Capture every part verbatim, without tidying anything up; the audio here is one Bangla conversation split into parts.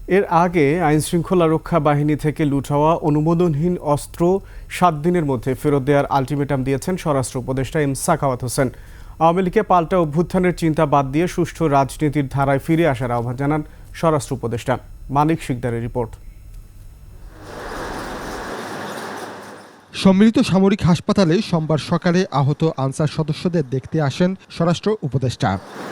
এর আগে আইনশৃঙ্খলা রক্ষা বাহিনী থেকে লুট হওয়া অনুমোদনহীন অস্ত্র সাত দিনের মধ্যে ফেরত দেওয়ার আলটিমেটাম দিয়েছেন স্বরাষ্ট্র উপদেষ্টা এম সাখাওয়াত হোসেন। আওয়ামী লীগকে পাল্টা অভ্যুত্থানের চিন্তা বাদ দিয়ে সুষ্ঠু রাজনীতির ধারায় ফিরে আসার আহ্বান জানান স্বরাষ্ট্র উপদেষ্টা। মানিক শিকদারের রিপোর্ট। সম্মিলিত সামরিক হাসপাতালে সোমবার সকালে আহত আনসার সদস্যদের দেখতে আসেন স্বরাষ্ট্র উপদেষ্টা।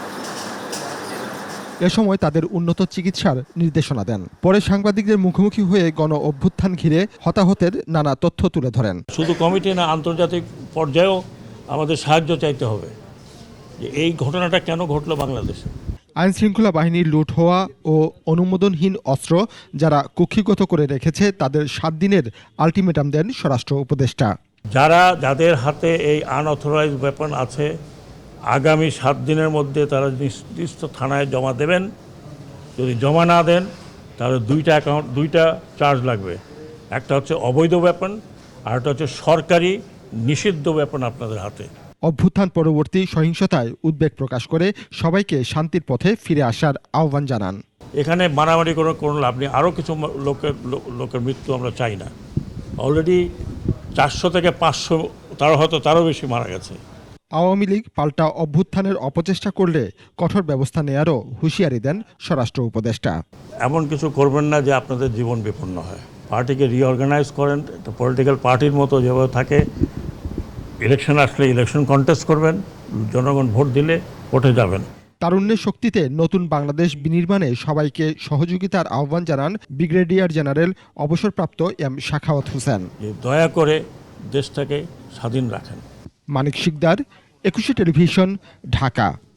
এ সময় তাদের উন্নত চিকিৎসার নির্দেশনা দেন। পরে সাংবাদিকদের মুখোমুখি হয়ে গণ অভ্যুত্থান ঘিরে হতাহতের নানা তথ্য তুলে ধরেন। শুধু কমিটি না, আন্তর্জাতিক পর্যায়েও আমাদের সাহায্য চাইতে হবে যে এই ঘটনাটা কেন ঘটলো বাংলাদেশে। আইন শৃঙ্খলা বাহিনীর লুট হওয়া ও অনুমোদনহীন অস্ত্র যারা কুক্ষিগত করে রেখেছে তাদের সাত দিনের আলটিমেটাম দেন স্বরাষ্ট্র উপদেষ্টা। যারা যাদের হাতে এই আনঅথরাইজ ওয়েপন আছে আগামী সাত দিনের মধ্যে তারা নির্দিষ্ট থানায় জমা দেবেন। যদি জমা না দেন তাহলে দুইটা অ্যাকাউন্ট দুইটা চার্জ লাগবে। একটা হচ্ছে অবৈধ ওয়েপন আর একটা হচ্ছে সরকারি নিষিদ্ধ ওয়েপন আপনাদের হাতে। অভ্যুত্থান পরবর্তী সহিংসতায় উদ্বেগ প্রকাশ করে সবাইকে শান্তির পথে ফিরে আসার আহ্বান জানান। এখানে মারামারি করে কোনো লাভ নেই। আরও কিছু লোকের লোকের মৃত্যু আমরা চাই না। অলরেডি চারশো থেকে পাঁচশো তারও হয়তো তারও বেশি মারা গেছে। আওয়ামী লীগ পাল্টা অভ্যুত্থানের অপচেষ্টা করলে কঠোর ব্যবস্থা নেয়ারও হুঁশিয়ারি দেন স্বরাষ্ট্র উপদেষ্টা। এমন কিছু করবেন না যে আপনাদের জীবন বিপন্ন হয়। পার্টিকে রিঅর্গানাইজ করেন, একটা পলিটিক্যাল পার্টির মতো যেভাবে থাকে। ইলেকশন আসলে ইলেকশন কন্টেস্ট করবেন, জনগণ ভোট দিলে ভোটে যাবেন। তারুণ্যের শক্তিতে নতুন বাংলাদেশ বিনির্মাণে সবাইকে সহযোগিতার আহ্বান জানান ব্রিগেডিয়ার জেনারেল অবসরপ্রাপ্ত এম সাখাওয়াত হোসেন। দয়া করে দেশটাকে স্বাধীন রাখেন। মানিক শিকদার, একুশে টেলিভিশন, ঢাকা।